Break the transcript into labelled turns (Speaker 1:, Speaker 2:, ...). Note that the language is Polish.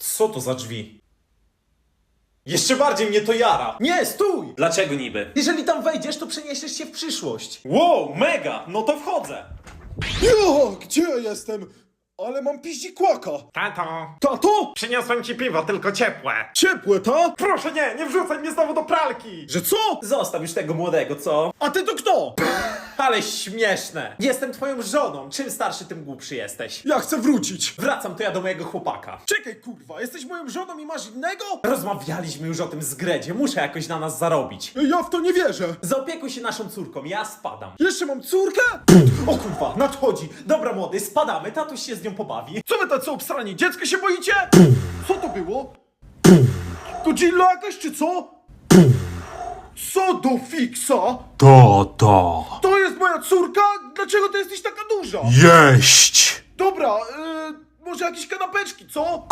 Speaker 1: Co to za drzwi? Jeszcze bardziej mnie to jara. Nie, stój!
Speaker 2: Dlaczego niby?
Speaker 1: Jeżeli tam wejdziesz, to przeniesiesz się w przyszłość.
Speaker 2: Wow, mega! No to wchodzę!
Speaker 3: Jo, gdzie ja jestem? Ale mam piździkłaka.
Speaker 2: Tato,
Speaker 3: Tato?
Speaker 2: przyniosłem ci piwo, tylko ciepłe.
Speaker 3: Ciepłe, ta?
Speaker 2: Proszę nie wrzucaj mnie znowu do pralki!
Speaker 3: Że co?
Speaker 1: Zostaw już tego młodego, co?
Speaker 3: A ty to kto?
Speaker 1: Ale śmieszne. Jestem twoją żoną. Czym starszy, tym głupszy jesteś.
Speaker 3: Ja chcę wrócić.
Speaker 1: Wracam to ja do mojego chłopaka.
Speaker 3: Czekaj, kurwa, jesteś moją żoną i masz innego?
Speaker 1: Rozmawialiśmy już o tym z Gredzie. Muszę jakoś na nas zarobić.
Speaker 3: Ja w to nie wierzę.
Speaker 1: Zaopiekuj się naszą córką, ja spadam.
Speaker 3: Jeszcze mam córkę?
Speaker 1: O kurwa, nadchodzi. Dobra młody, spadamy, tatuś się z nią pobawi.
Speaker 3: Co wy tacy obsrani? Dziecko się boicie? Co to było? Godzilla jakaś czy co? Co do fiksa? To jest moja córka? Dlaczego ty jesteś taka duża?
Speaker 4: Jeść!
Speaker 3: Dobra, może jakieś kanapeczki, co?